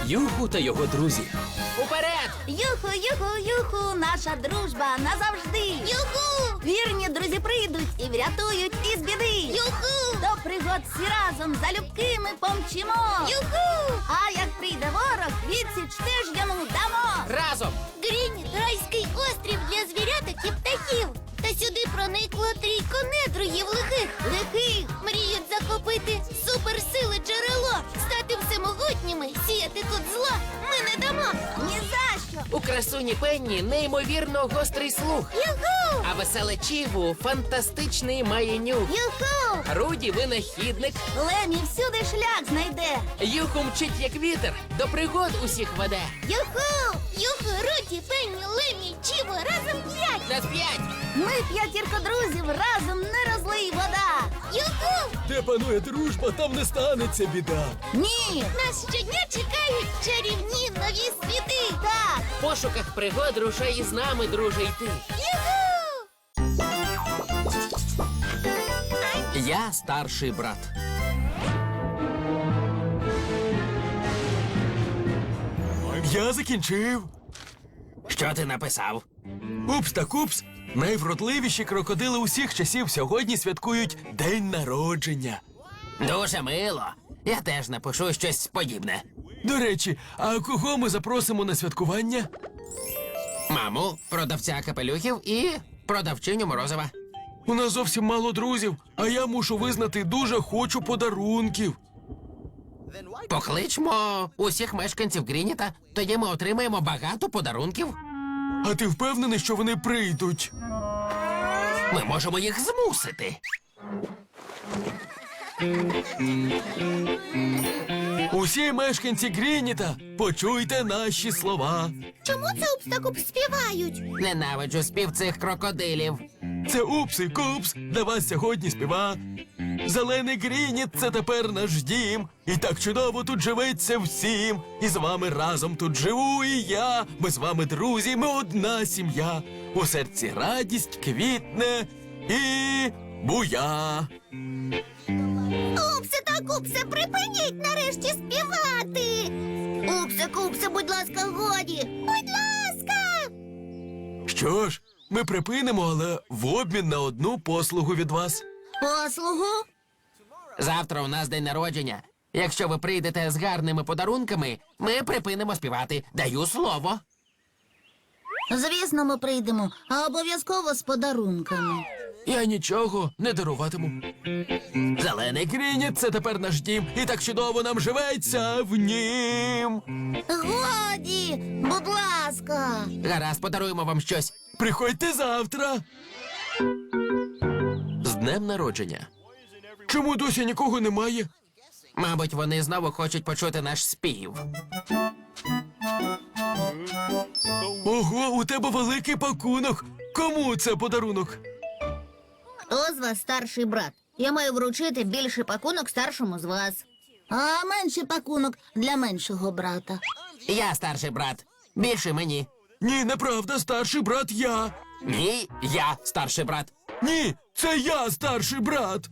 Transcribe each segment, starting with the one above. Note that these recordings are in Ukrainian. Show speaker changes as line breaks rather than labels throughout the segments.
Юху та його друзі.
Уперед!
Юху, юху, юху, наша дружба назавжди. Юху! Вірні друзі прийдуть і врятують із біди. Юху! До пригод всі разом залюбки ми помчимо. Юху! А як прийде ворог, відсіч теж йому дамо.
Разом!
Грініт – райський острів для звіряток і птахів. Та сюди проникло трійко недругів лихих. Мріють захопити суперсили джерело, стати всемогутніми, сіяти тут зло ми не дамо.
Ні за що.
У красуні Пенні неймовірно гострий слух.
Юху!
А веселе Чіву фантастичний має нюх.
Юху!
Руді винахідник.
Лемі всюди шлях знайде.
Юху мчить як вітер, до пригод усіх веде.
Юху!
Юху, Руді, Пенні, Лемі, Чіво, разом 5!
На 5!
Ми п'ятірка друзів, разом не розлий вода.
Юху!
Де панує дружба, там не станеться біда.
Ні!
Нас щодня чекають чарівні нові світи!
Так!
В пошуках пригод рушай із нами, друже, йти.
Юху!
Я старший брат.
Я закінчив.
Що ти написав?
Упс та купс. Найвродливіші крокодили усіх часів сьогодні святкують День народження.
Дуже мило. Я теж напишу щось подібне.
До речі, а кого ми запросимо на святкування?
Маму, продавця капелюхів і продавчиню морозива.
У нас зовсім мало друзів, а я мушу визнати, дуже хочу подарунків.
Покличмо усіх мешканців Грініта, тоді ми отримаємо багато подарунків.
А ти впевнений, що вони прийдуть?
Ми можемо їх змусити.
Усі мешканці Грініта, почуйте наші слова.
Чому це Упс-та-Купс співають?
Ненавиджу спів цих крокодилів.
Це Упс і Купс для вас сьогодні співа. Зелений Грініт – це тепер наш дім. І так чудово тут живеться всім. І з вами разом тут живу і я. Ми з вами друзі, ми одна сім'я. У серці радість квітне і буя.
Упсе-та-Купсе, припиніть нарешті співати! Упсе-Купсе, будь ласка, годі! Будь ласка!
Що ж, ми припинимо, але в обмін на одну послугу від вас.
Послугу?
Завтра у нас день народження. Якщо ви прийдете з гарними подарунками, ми припинимо співати. Даю слово.
Звісно, ми прийдемо, а обов'язково з подарунками.
Я нічого не даруватиму.
Зелений
Грініт – це тепер наш дім, і так чудово нам живеться в нім.
Годі, будь ласка.
гаразд, подаруємо вам щось.
Приходьте завтра.
З днем народження.
Чому досі нікого немає?
Мабуть, вони знову хочуть почути наш спів.
Ого, у тебе великий пакунок. Кому це подарунок?
Хто з вас старший брат? Я маю вручити більший пакунок старшому з вас.
А менший пакунок для меншого брата.
Я старший брат. Більше мені.
Ні, неправда, старший брат я.
Ні, я старший брат.
Ні, це я старший брат.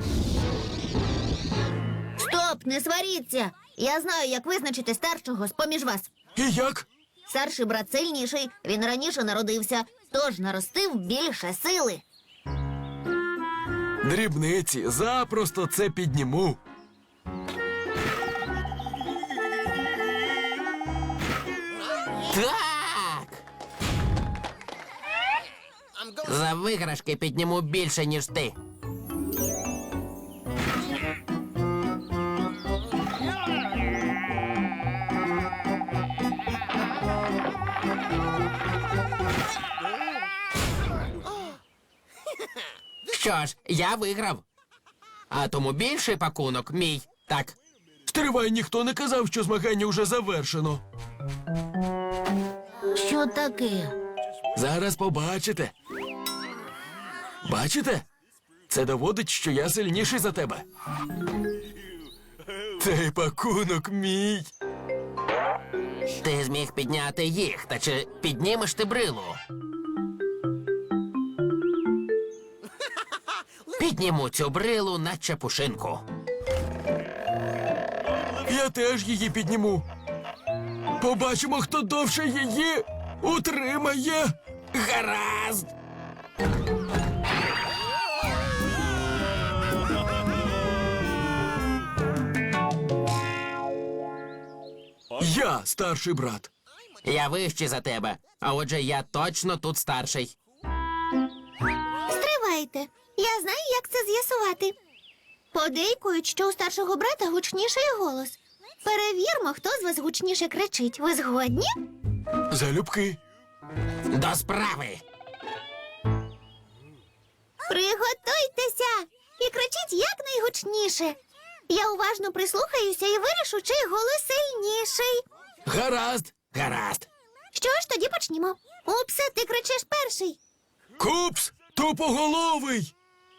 Стоп, не сваріться! Я знаю, як визначити старшого з-поміж вас.
І як?
Старший брат сильніший, він раніше народився, тож наростив більше сили.
Дрібниці, запросто це підніму.
Так! За виграшки підніму більше, ніж ти. Що ж, я виграв. А тому більший пакунок мій. Так.
Стривай, ніхто не казав, що змагання вже завершено.
Що таке?
Зараз побачите. Бачите? Це доводить, що я сильніший за тебе. Цей пакунок мій.
Ти зміг підняти їх, та чи піднімеш ти брилу? Підніму цю брилу, наче пушинку.
Я теж її підніму. Побачимо, хто довше її утримає.
Гаразд!
Я старший брат.
Я вищий за тебе, а отже, я точно тут старший.
Стривайте. Я знаю, як це з'ясувати. Подейкують, що у старшого брата гучніший голос. Перевірмо, хто з вас гучніше кричить. Ви згодні?
Залюбки.
До справи!
Приготуйтеся і кричіть якнайгучніше. Я уважно прислухаюся і вирішу, чий голос сильніший.
Гаразд.
Гаразд!
Що ж, тоді почнімо. Упсе, ти кричиш перший.
Купс, тупоголовий.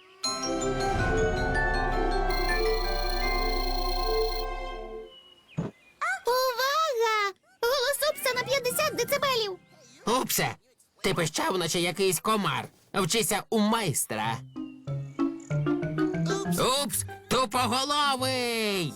Увага! Голос Упса на 50 децибелів.
Упсе, ти пищав, наче якийсь комар. Вчися у майстра. Упс, тупоголовий!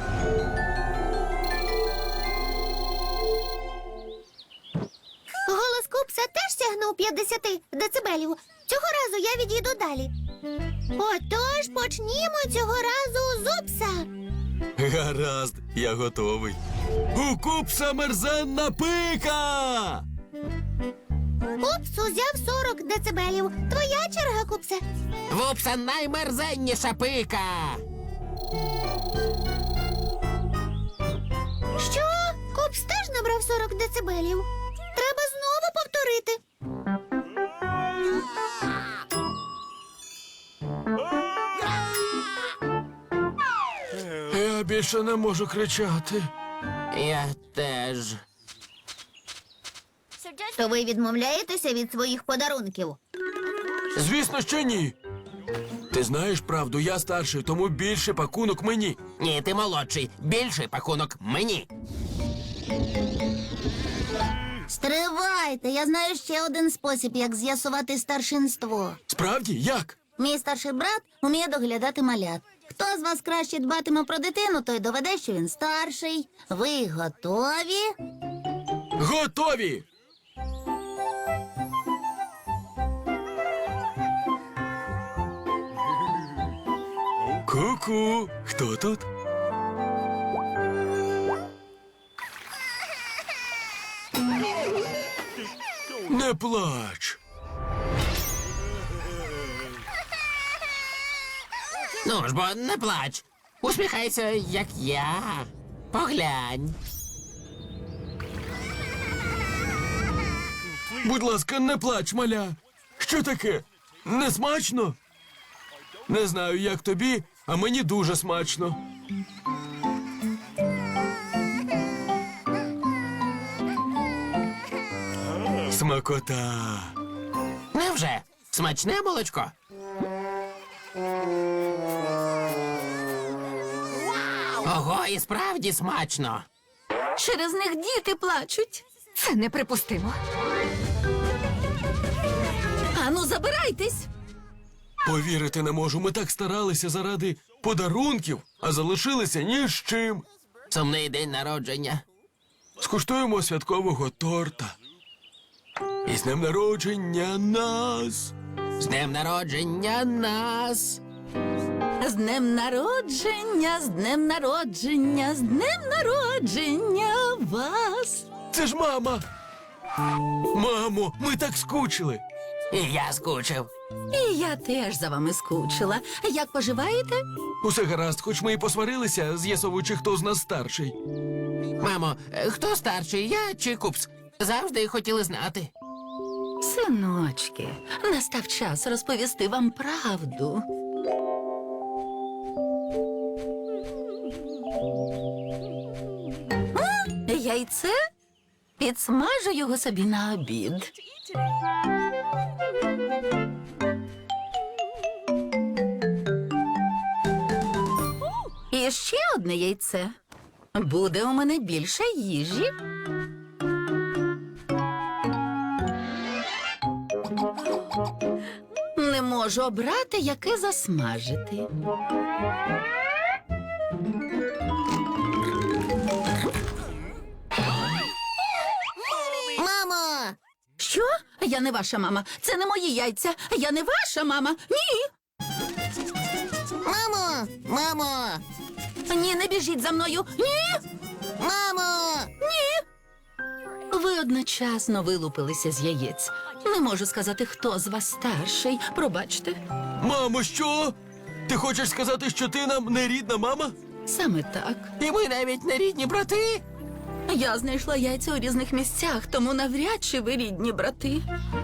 Голос Купса теж сягнув 50 децибелів. Цього разу я відійду далі. Отож, почнімо цього разу з Упса.
Гаразд, я готовий. У Купса мерзенна пика.
Упс узяв 40 децибелів. Твоя черга, Купсе.
В Упса наймерзенніша пика!
Що? Купс теж набрав 40 децибелів. Треба знову повторити.
Я більше не можу кричати.
Я теж.
То ви відмовляєтеся від своїх подарунків?
Звісно, що ні. Ти знаєш правду, я старший, тому більше пакунок мені.
Ні, ти молодший. Більший пакунок мені.
Стривайте, я знаю ще один спосіб, як з'ясувати старшинство.
Справді, як?
Мій старший брат вміє доглядати малят. Хто з вас краще дбатиме про дитину, той доведе, що він старший. Ви готові?
Готові! Ку-ку, хто тут? Не плач.
Ну ж бо, не плач. Усміхайся, як я. Поглянь.
Будь ласка, не плач, маля. Що таке? Не смачно? Не знаю, як тобі, а мені дуже смачно. Смакота.
Невже? Смачне молочко? Ого, і справді смачно.
Через них діти плачуть. Це неприпустимо. Ану, забирайтесь.
Повірити не можу, ми так старалися заради подарунків, а залишилися ні з чим.
Сумний день народження.
Скуштуємо святкового торта. І з днем народження нас.
З днем народження нас.
З днем народження, з днем народження, з днем народження вас.
Це ж мама. Мамо, ми так скучили.
І я скучив.
І я теж за вами скучила. Як поживаєте?
Усе гаразд, хоч ми і посварилися, з'ясовуючи, хто з нас старший.
Мамо, хто старший, я чи Купс? Завжди хотіли знати.
Синочки, настав час розповісти вам правду. Яйце? Підсмажу його собі на обід. І ще одне яйце. Буде у мене більше їжі. Не можу обрати, яке засмажити. Я не ваша мама. Це не мої яйця. Я не ваша мама. Ні.
Мамо! Мамо!
Ні, не біжіть за мною. Ні.
Мамо!
Ви одночасно вилупилися з яєць. Не можу сказати, хто з вас старший. Пробачте.
Мамо, що? Ти хочеш сказати, що ти нам не рідна мама?
Саме так.
І ми навіть не рідні брати.
Я знайшла яйця у різних місцях, тому навряд чи ви рідні брати.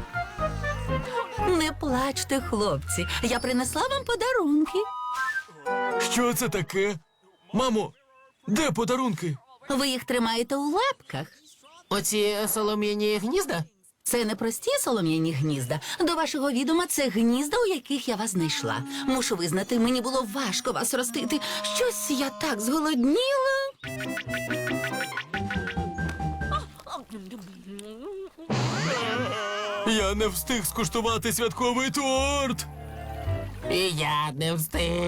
Не плачте, хлопці. Я принесла вам подарунки.
Що це таке? Мамо, де подарунки?
Ви їх тримаєте у лапках.
Оці солом'яні гнізда?
Це не прості солом'яні гнізда. До вашого відома, це гнізда, у яких я вас знайшла. Мушу визнати, мені було важко вас ростити. Щось я так зголодніла.
Я не встиг скуштувати святковий торт.
І я не встиг.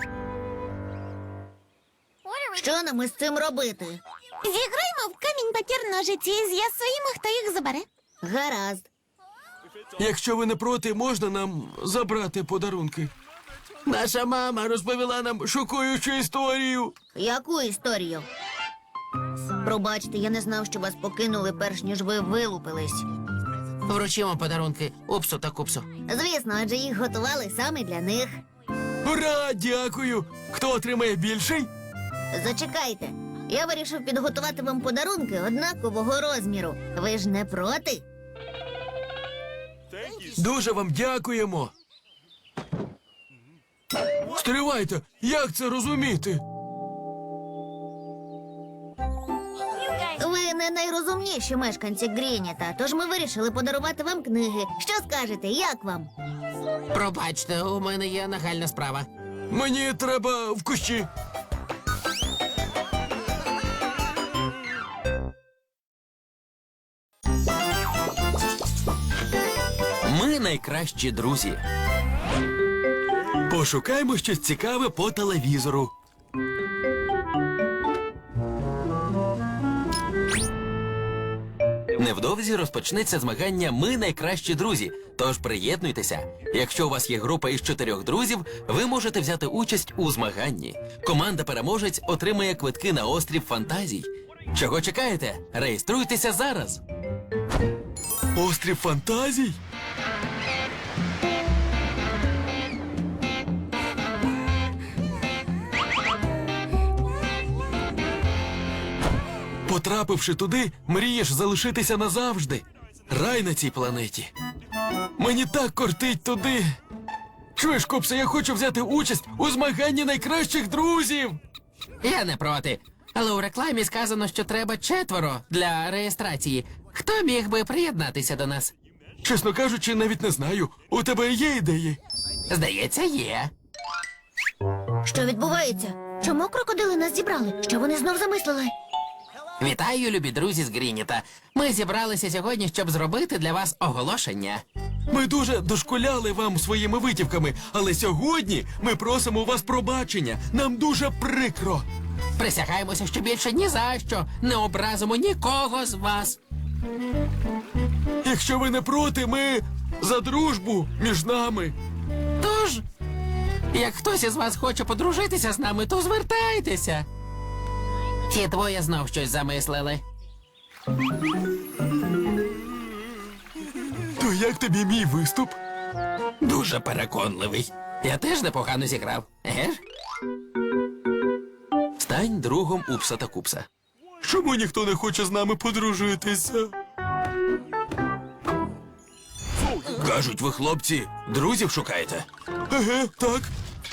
Що нам із цим робити? Зіграємо в камінь, папір, ножиці і з'ясуємо, хто їх забере. Гаразд.
Якщо ви не проти, можна нам забрати подарунки? Наша мама розповіла нам шокуючу історію.
Яку історію? Пробачте, я не знав, що вас покинули, перш ніж ви вилупились.
Вручимо подарунки Упсу та Купсу.
Звісно, адже їх готували саме для них.
Ура, дякую! Хто отримає більший?
Зачекайте. Я вирішив підготувати вам подарунки однакового розміру. Ви ж не проти?
Дуже вам дякуємо. Стривайте, як це розуміти?
Ви не найрозумніші мешканці Грініта, тож ми вирішили подарувати вам книги. Що скажете, як вам?
Пробачте, у мене є нагальна справа.
Мені треба в кущі.
Ми найкращі друзі.
Пошукаймо щось цікаве по телевізору.
Невдовзі розпочнеться змагання «Ми найкращі друзі». Тож приєднуйтеся. Якщо у вас є група із 4 друзів, ви можете взяти участь у змаганні. Команда-переможець отримає квитки на острів фантазій. Чого чекаєте? Реєструйтеся зараз.
Острів фантазій? Потрапивши туди, мрієш залишитися назавжди. Рай на цій планеті. Мені так кортить туди. Чуєш, Купсе, я хочу взяти участь у змаганні найкращих друзів.
Я не проти. Але у рекламі сказано, що треба 4 для реєстрації. Хто міг би приєднатися до нас?
Чесно кажучи, навіть не знаю. У тебе є ідеї?
Здається, є.
Що відбувається? Чому крокодили нас зібрали? Що вони знов замислили?
Вітаю, любі друзі з Грініта. Ми зібралися сьогодні, щоб зробити для вас оголошення.
Ми дуже дошкуляли вам своїми витівками, але сьогодні ми просимо у вас пробачення. Нам дуже прикро.
Присягаємося, що більше ні за що не образимо нікого з вас.
Якщо ви не проти, ми за дружбу між нами.
Тож, як хтось із вас хоче подружитися з нами, то звертайтеся. Ті двоє знов щось замислили.
То як тобі мій виступ?
Дуже переконливий. Я теж непогано зіграв. Еге ж?
Стань другом Упса та Купса.
Чому ніхто не хоче з нами подружитися?
Кажуть, ви, хлопці, друзів шукаєте?
Еге, так.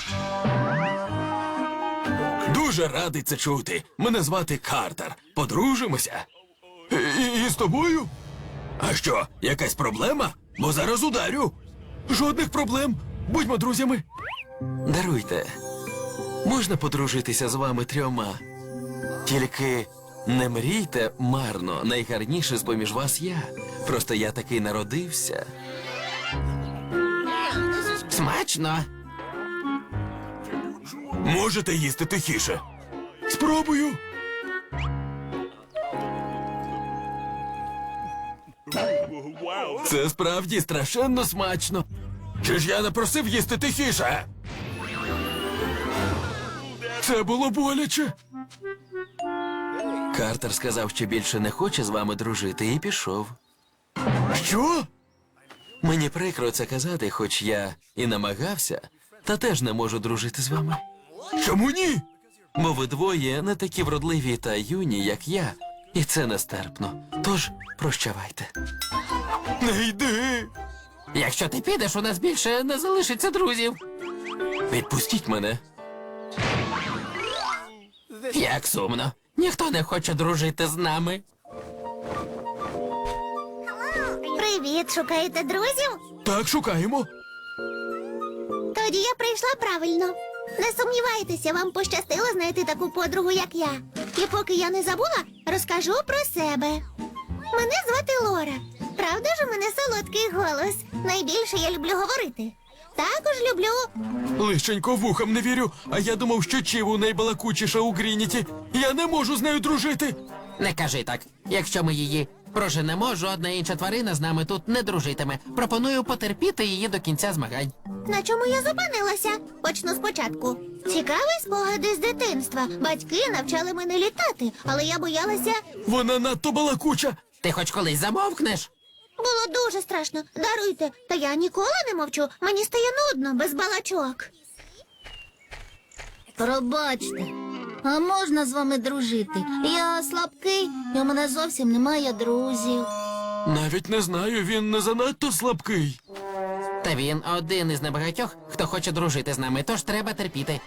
Дуже радий це чути. Мене звати Картер. Подружимося.
І з тобою?
А що, якась проблема? Бо зараз ударю.
Жодних проблем. Будьмо друзями.
Даруйте. Можна подружитися з вами 3? Тільки не мрійте марно. Найгарніше з-поміж вас я. Просто я такий народився.
Смачно.
Можете їсти тихіше.
Спробую. Це справді страшенно смачно. Чи ж я не просив їсти тихіше? Це було боляче.
Картер сказав, що більше не хоче з вами дружити, і пішов.
Що?
Мені прикро це казати, хоч я і намагався, та теж не можу дружити з вами.
Чому ні?
Бо ви двоє не такі вродливі та юні, як я, і це нестерпно. Тож прощавайте.
Не йди.
Якщо ти підеш, у нас більше не залишиться друзів.
Відпустіть мене.
Як сумно. Ніхто не хоче дружити з нами.
Привіт, шукаєте друзів?
Так, шукаємо.
Тоді я прийшла правильно. Не сумнівайтеся, вам пощастило знайти таку подругу, як я. І поки я не забула, розкажу про себе. Мене звати Лора. Правда ж у мене солодкий голос? Найбільше я люблю говорити. Також люблю.
Лишенько вухам не вірю, а я думав, що Чіву найбалакучіша у Грініті. Я не можу з нею дружити.
Не кажи так. Якщо ми її проженемо, жодна інша тварина з нами тут не дружитиме. Пропоную потерпіти її до кінця змагань.
На чому я зупинилася? Почну спочатку. Цікаві спогади з дитинства. Батьки навчали мене літати, але я боялася.
Вона надто балакуча.
Ти хоч колись замовкнеш?
Було дуже страшно. Даруйте, та я ніколи не мовчу. Мені стає нудно без балачок.
Пробачте, а можна з вами дружити? Я слабкий, і у мене зовсім немає друзів.
Навіть не знаю, він не занадто слабкий.
Та він один із небагатьох, хто хоче дружити з нами, тож треба терпіти.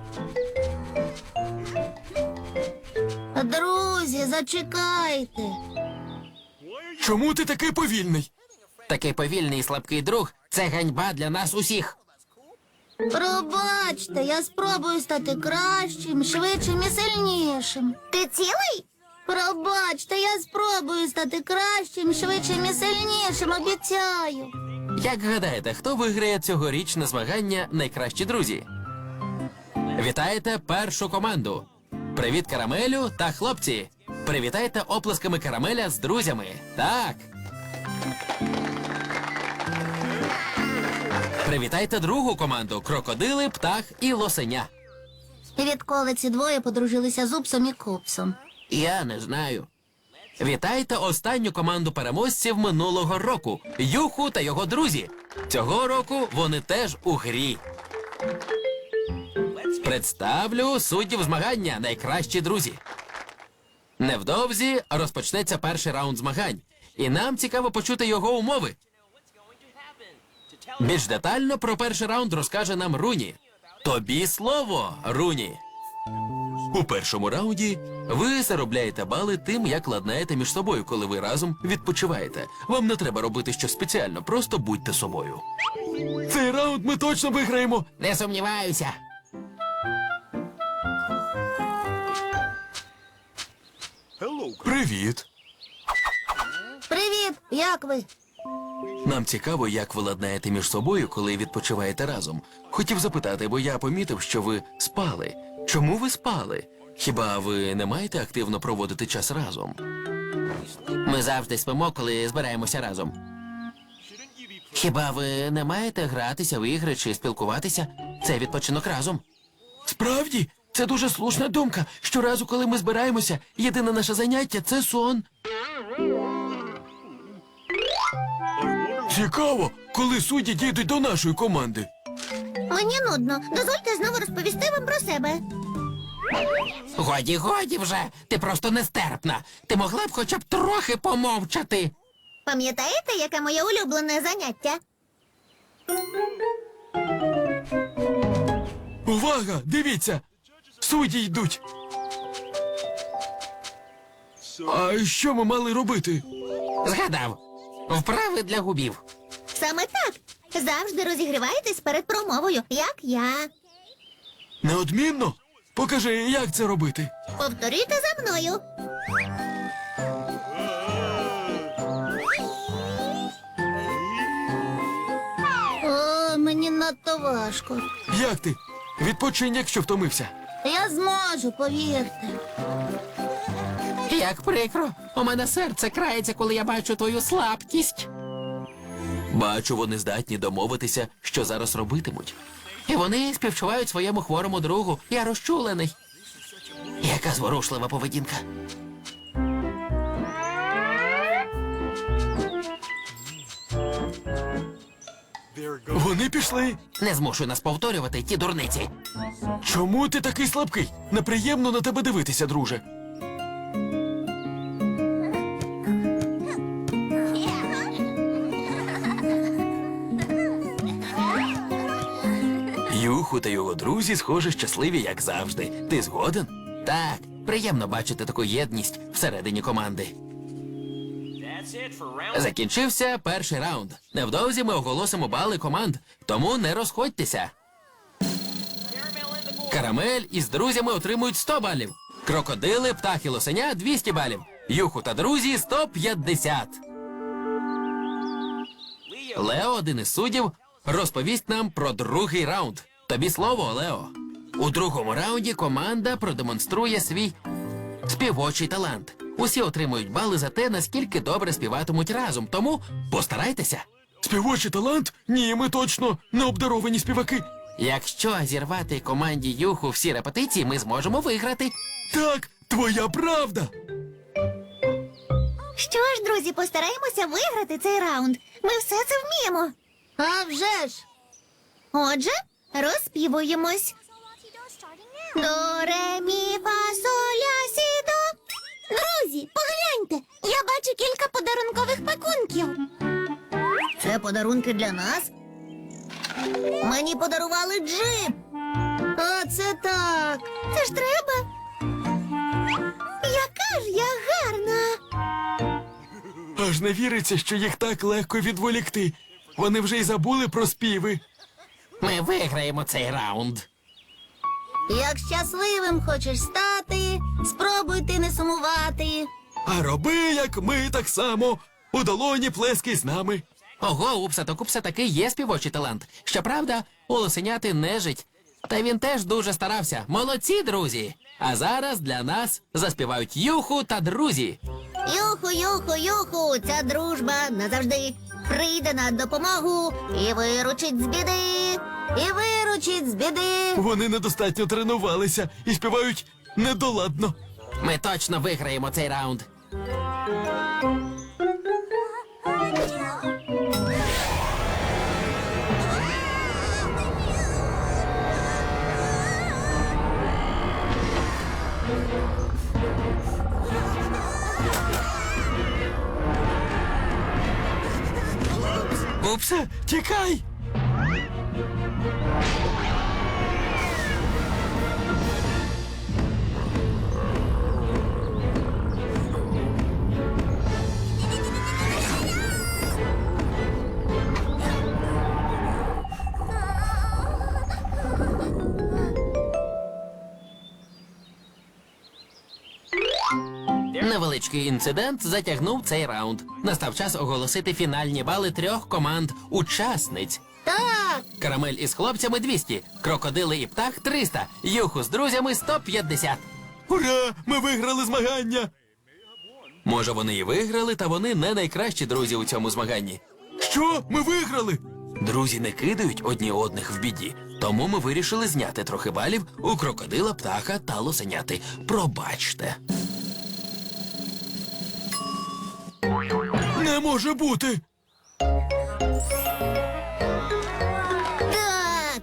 Друзі, зачекайте.
Чому ти такий повільний?
Такий повільний і слабкий друг – це ганьба для нас усіх.
Пробачте, я спробую стати кращим, швидшим і сильнішим.
Ти цілий?
Пробачте, я спробую стати кращим, швидшим і сильнішим, обіцяю.
Як гадаєте, хто виграє цьогорічне змагання «Найкращі друзі»? Вітаєте першу команду. Привіт, Карамелю та хлопці. Привітайте оплесками Карамеля з друзями. Так. Привітайте другу команду. Крокодили, птах і лосеня.
Відколи ці двоє подружилися з Упсом і Купсом.
Я не знаю.
Вітайте останню команду переможців минулого року. Юху та його друзі. Цього року вони теж у грі. Представлю суддів змагання «Найкращі друзі». Невдовзі розпочнеться перший раунд змагань. І нам цікаво почути його умови. Більш детально про перший раунд розкаже нам Руні. Тобі слово, Руні. У першому раунді ви заробляєте бали тим, як ладнаєте між собою, коли ви разом відпочиваєте. Вам не треба робити щось спеціально, просто будьте собою.
Цей раунд ми точно виграємо.
Не сумніваюся.
Привіт.
Привіт, як ви?
Нам цікаво, як ви ладнаєте між собою, коли відпочиваєте разом. Хотів запитати, бо я помітив, що ви спали. Чому ви спали? Хіба ви не маєте активно проводити час разом?
Ми завжди спимо, коли збираємося разом. Хіба ви не маєте гратися в ігри чи спілкуватися? Це відпочинок разом.
Справді, це дуже слушна думка. Щоразу, коли ми збираємося, єдине наше заняття – це сон. Цікаво, коли судді дійдуть до нашої команди.
Мені нудно. Дозвольте знову розповісти вам про себе.
Годі, годі вже. Ти просто нестерпна. Ти могла б хоча б трохи помовчати.
Пам'ятаєте, яке моє улюблене заняття?
Увага! Дивіться! Судді йдуть. А що ми мали робити?
Згадав. Вправи для губів.
Саме так. Завжди розігріваєтесь перед промовою, як я.
Неодмінно? Покажи, як це робити.
Повторюйте за мною.
О, мені надто важко.
Як ти? Відпочинь, якщо втомився.
Я зможу, повірте.
Як прикро, у мене серце крається, коли я бачу твою слабкість.
Бачу, вони здатні домовитися, що зараз робитимуть.
І вони співчувають своєму хворому другу. Я розчулений. Яка зворушлива поведінка.
Вони пішли.
Не змушуй нас повторювати ті дурниці.
Чому ти такий слабкий? Неприємно на тебе дивитися, друже.
Юху та його друзі, схоже, щасливі, як завжди. Ти згоден?
Так, приємно бачити таку єдність всередині команди. Закінчився перший раунд. Невдовзі ми оголосимо бали команд, тому не розходьтеся. Карамель із друзями отримують 100 балів. Крокодили, птах і лосеня 200 балів. Юху та друзі 150. Лео, один із суддів, розповість нам про другий раунд. Тобі слово, Лео. У другому раунді команда продемонструє свій співочий талант. Усі отримують бали за те, наскільки добре співатимуть разом, тому постарайтеся.
Співочий талант? Ні, ми точно не обдаровані співаки.
Якщо зірвати команді Юху всі репетиції, ми зможемо виграти.
Так, твоя правда.
Що ж, друзі, постараємося виграти цей раунд. Ми все це вміємо.
А вже ж!
Отже, розспівуємось. До, ре, мі, фа, соль, ля, сі, до. Друзі, погляньте, я бачу кілька подарункових пакунків.
Це подарунки для нас.
Мені подарували джип.
Оце так.
Це ж треба. Яка ж я гарна.
Аж не віриться, що їх так легко відволікти. Вони вже й забули про співи.
Ми виграємо цей раунд.
Як щасливим хочеш стати, спробуй ти не сумувати.
А роби, як ми, так само. У долоні плескай з нами.
Ого, Упса та Купса таки є співочий талант. Щоправда, у лосеняти нежить. Та він теж дуже старався. Молодці, друзі! А зараз для нас заспівають Юху та друзі.
Юху, юху, юху, ця дружба назавжди прийде на допомогу і виручить з біди, і виручить з біди.
Вони недостатньо тренувалися і співають недоладно.
Ми точно виграємо цей раунд.
Упсе, тікай!
Невеличкий інцидент затягнув цей раунд. Настав час оголосити фінальні бали 3 команд-учасниць.
Так,
Карамель із хлопцями 200, крокодили і птах 300, Юху з друзями 150.
Ура! Ми виграли змагання!
Може, вони і виграли, та вони не найкращі друзі у цьому змаганні.
Що? Ми виграли?
Друзі не кидають одні одних в біді, тому ми вирішили зняти трохи балів у крокодила, птаха та лосеняти. Пробачте.
Не може бути!
так.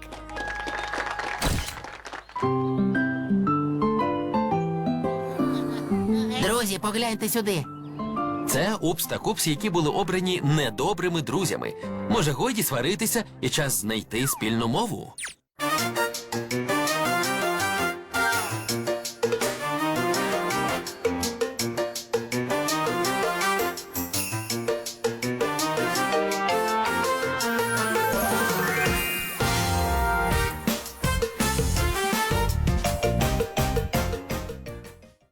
Друзі, погляньте сюди.
Це Упс та Купс, які були обрані недобрими друзями. Може, годі сваритися і час знайти спільну мову?